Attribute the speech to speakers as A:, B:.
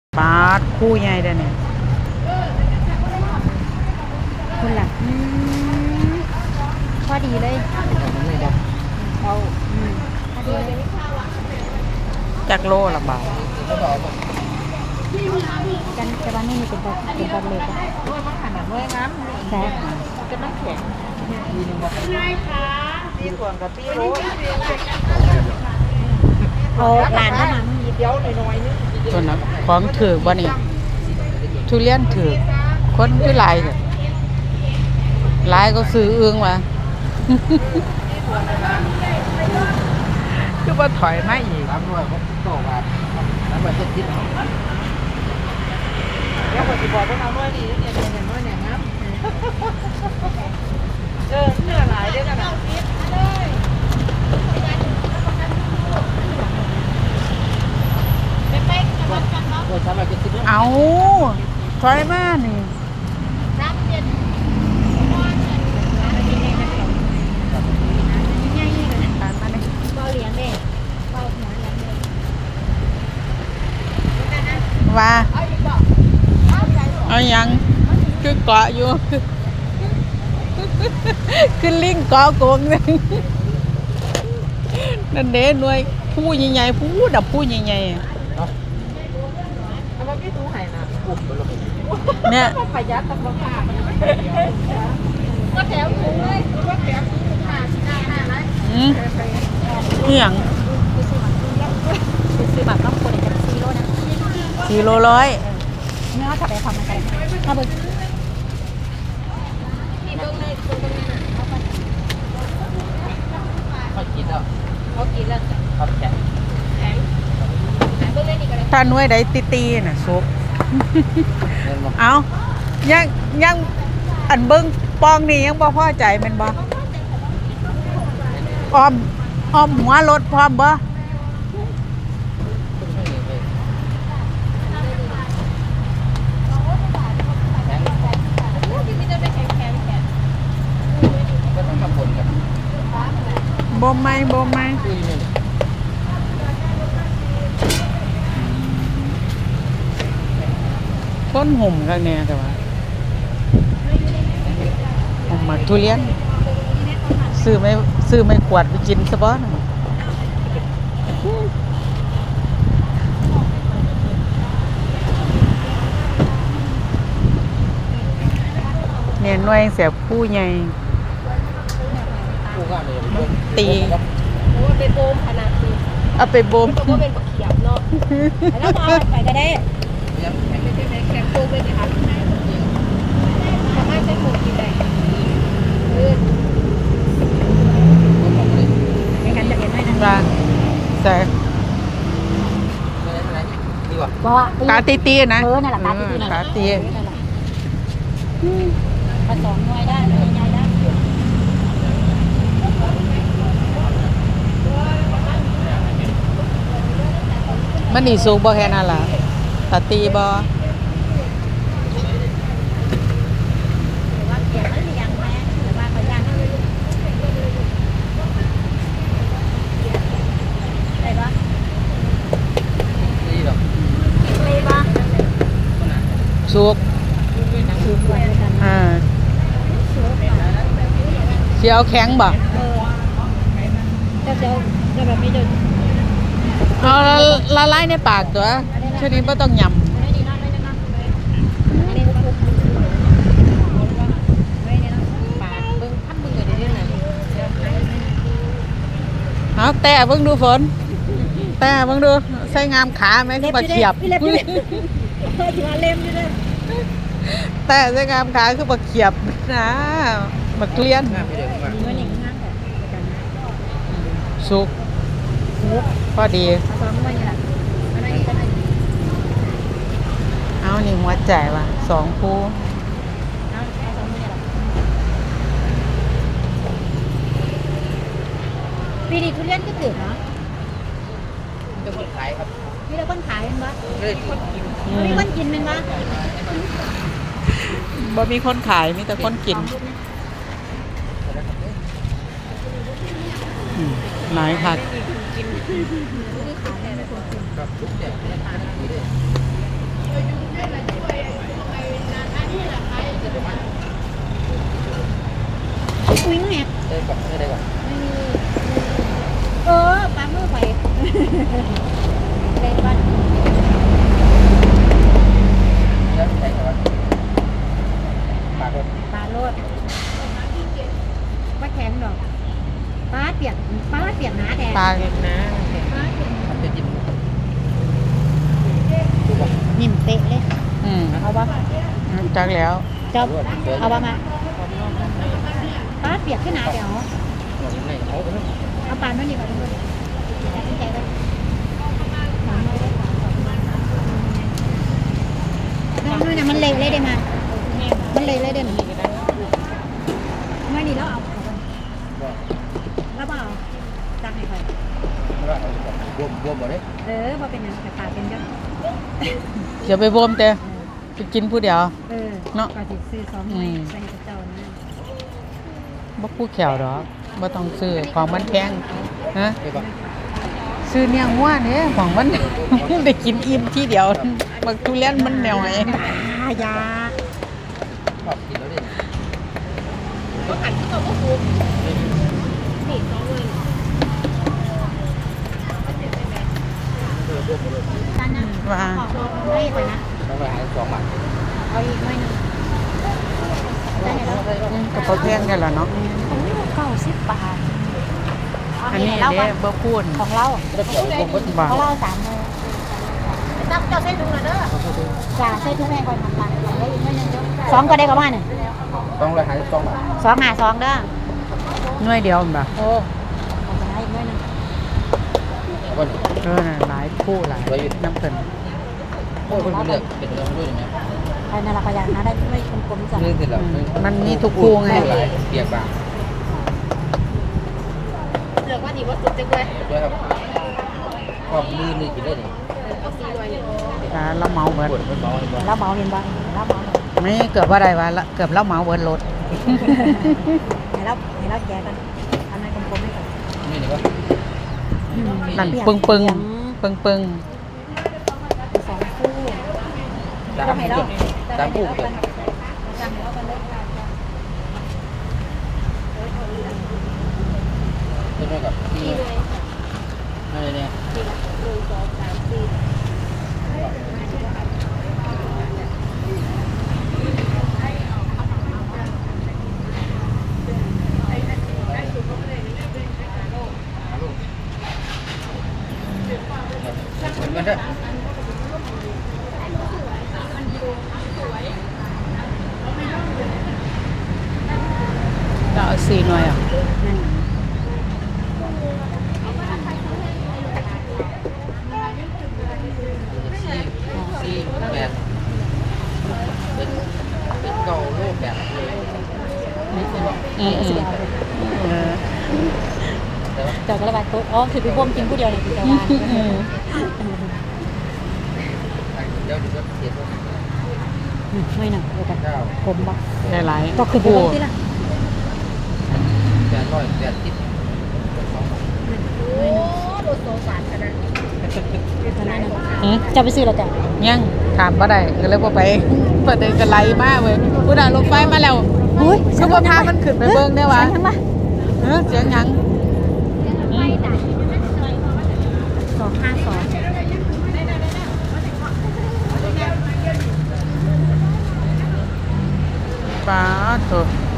A: ปาดคู่ใหญ่เด้อเนี่ย
B: คุณล่ะพอดีเลยเอาพอดีเลย
A: จักโลละบาท
B: กันแต่ว่านี่มีเป็นตัวเล็กอะ
C: มันขนาดน้อยน้ำ
B: แซ่บ
C: จะน้ำแข็งง่ายค่ะตีส่วนกับตีโรส
B: เอาหลานก็มา
C: เดี๋ยวหน่อยนึง
A: ตัวนั้นของถือบ่นี่ทุเรียนถือคนคือหลายเด้อหลายก็ซื้อเอื้องว่ะ คือบ่ถอยมาอีก
C: รับด้วยผมโตมาแล้วมันจะคิดแล้วผมจะบอกว่าเอาด้วยดีเนี่ยเนี่ยน้อยเนี่ยนะเนื้อหลายด้วยกันนะ
A: เอาถอยมานี่ว่าเอายังคือเกาะอยู่ คือลิงเกาะโกงเลยนั่นเด้หน่วยผู้ใหญ่ๆผู้ดับผู้ใหญ่ๆเนี่ย
C: ประหยัดตำราคาก็แถวถุงเลยก็แถวถุง5
A: นี่หยัง
B: ซื้อแบบต้องคนจะ4 โลนะ
A: 4 โลร้อย
B: เนื้อถัดไปความมันกันถ้าเบิ่ง
C: เขากินแล้วเขาแข็ง
A: ถ้าหน่วยใดตีๆน่ะสุก เอายังอันเบิ้งปองนี่ยังบ่พอใจแม่นบ่อ้อมหัวรถพร้อมบ่บ่ไม่ต้นห่มกันเนี่ยแต่ว่าห่มมาทุเรียนซื้อไม่ขวดไปกินซะบ่นะเนี่ยหน่วยเสียผู้ใหญ่ตี
B: ไปโบมขนาดนี้
A: เอาไปโบม
B: ก็เป็นบักเขียบเนาะแล้วมาไปก็ได้แข็งโตเป็นค่ะสามารถใช้หมูกินได้ไม่งั้นจะเห็นได้นะ
A: ว่าแต่กาตีนะ
B: นั่นแหละ
A: กาตี
B: ผสมหน่วยได้ใหญ่ได้
A: มันนี่สูงบ่แค่นั้นล่ะตาตีบ่สุกเสียวแข็งบ่
B: จะแบบนี้เดิน
A: เอาละลายในปากตัวชนิดไม่ต้องยำเอาแต่เพิ่งดูฝนแต่เพิ่งดูใส่งามขาไหมคือบักเขียบแต่ใส่งามขาคือบักเขียบนะบักเกลี้ยนสุกพอดีเอานี่หัวใจว่ะ2 คู่
B: ปีนี้ทุเรียนก็ถือเนาะ
C: จะคนขายครับ
B: มีแต่คนขายเป็นปะ
C: ไม่ได้คนกิน
B: มีคนกินเป็นปะ
A: บ่มีคนขายมีแต่คนกินหลายผัก
C: กับทุกอย่าง
B: นิ่มเตะเลย
A: อืม
B: เอาบ่
A: จักแล้ว
B: จบเอาบ่มาป้าเปียกขึ้นหนาเดี๋ยวเอาปานมานี่ก่อนทุกคนตัดสินใจเลยนู่นน่ะมันเละเลยได้มามันเละเลยเด้อหนูไม่นี่แล้วเอาแล้วเปล่าจักให้ใคร
C: บวมหมดเลย
B: พอเป็นอย่างแต่ปากเป็นเยอะ
A: เดี๋ยวไปบ่มแต่ไปกินผู้เดียว เนาะ
B: ก็สิซื้อสองไม้ใส่กับเจ้านะ
A: บ่ผู้แขวดอกบ่ต้องซื้อของมันแพงฮะ
C: ใช่ปะ
A: ซื้อเนียงว่าเนี่ยของมัน ได้กินอิ่มทีเดียวบักทุเรียนมันแนวไหน
B: ยา
C: ชอบกินแล้วดิ
B: ตานนะ
A: ว่า
B: ขอให้ก่อนนะ
C: ต้องไปหา2 บาท
B: เอาอีกหน่อยหนึงได้แล้ว
A: กับเขาแพงได้แล้วเนาะ
B: ของนี่90 บาท
A: อันนี้เด้บ่พูด
B: ของเรา
C: แล้วเดี๋ยวบวมก็
A: บ่
B: ของเรา3มื้อตักเจ้าใส่ถุงเลยเด้อจ้าใส่ถุงแม่ก่อนทำปานเอาอีกหน่อยหนึงเด้อ2ก็ได้ก็ว่าน่ะ
C: ต้องไปหา2 บาท
B: 252เด้อ
A: หน่วยเดียวมันบ่
B: เอาไปให้อีกหน่อยหนึง
C: วัน
A: น่ะหลายผู้หลายน้ำเพิ่น
C: โอ้คนเลือกเป็นเรื่องด้วยไหม
B: ไอ้นั่นละก็อยากนะได้ไม่กลมๆจ้ะ
C: เรื่องเสร็จแล้ว
A: มันมีทุกคู่ไง
C: เปียกปาก
B: เลือกว่าดีว่าสุดจังเลย
C: ด้วยครับความมือนี่กินได้นี่
B: เอา4ด้วย
A: เราเมาเบิด
C: ปวดมันเบาเลยบ่
B: แล้วเมาเห็นบ่แล้วเมา
A: ไม่เกือบว่าได้ว่าละเกือบเราเมาเบิดรถ
B: ให้เราแกะกันอันนั้นกลมๆให้ก่อน
C: นี่นี่วะ
A: นั่นปึ้งปึ้งปึ้งปึ้ง
B: สองคู่
C: ตามผู้เกิด
B: จำให้เรากันเลย
C: เช่นกับที่อะไรเนี่ย เหมือนกันเด้อ
A: จะเอา4หน่วยอ่ะ
B: นั่น
C: สี่แปดเป็นเก่าโลกแบบเลย
A: อืม
B: เจ้าก็ระบาดโต๊ะอ๋อคือไปบ่มกินผู้เดียวเลยคือเจ้าว่า
C: เดี๋ยวจะเสียตัว
B: ไม่หนักเดียวกัน
C: เก้า
B: ผมบ่
A: ได้หลาย
B: ก็คือไปบ่มที่ละ
C: 880
B: ไม่หนักโดนโซฟาขนาดจะไปซื้อแล้วจ้ะ
A: ยังถามบ่ได้ก็เลยบ่ไปบ่ได้ก็ไล่มาเว้ยผู้น่ะรถไฟมาแล้ว
B: เฮ้ย
A: คือบ่พามันขึ้นไปเบิ่งได้วะ
B: ยังปะ
A: เสียงหยัง
B: 252
A: ป้าโถ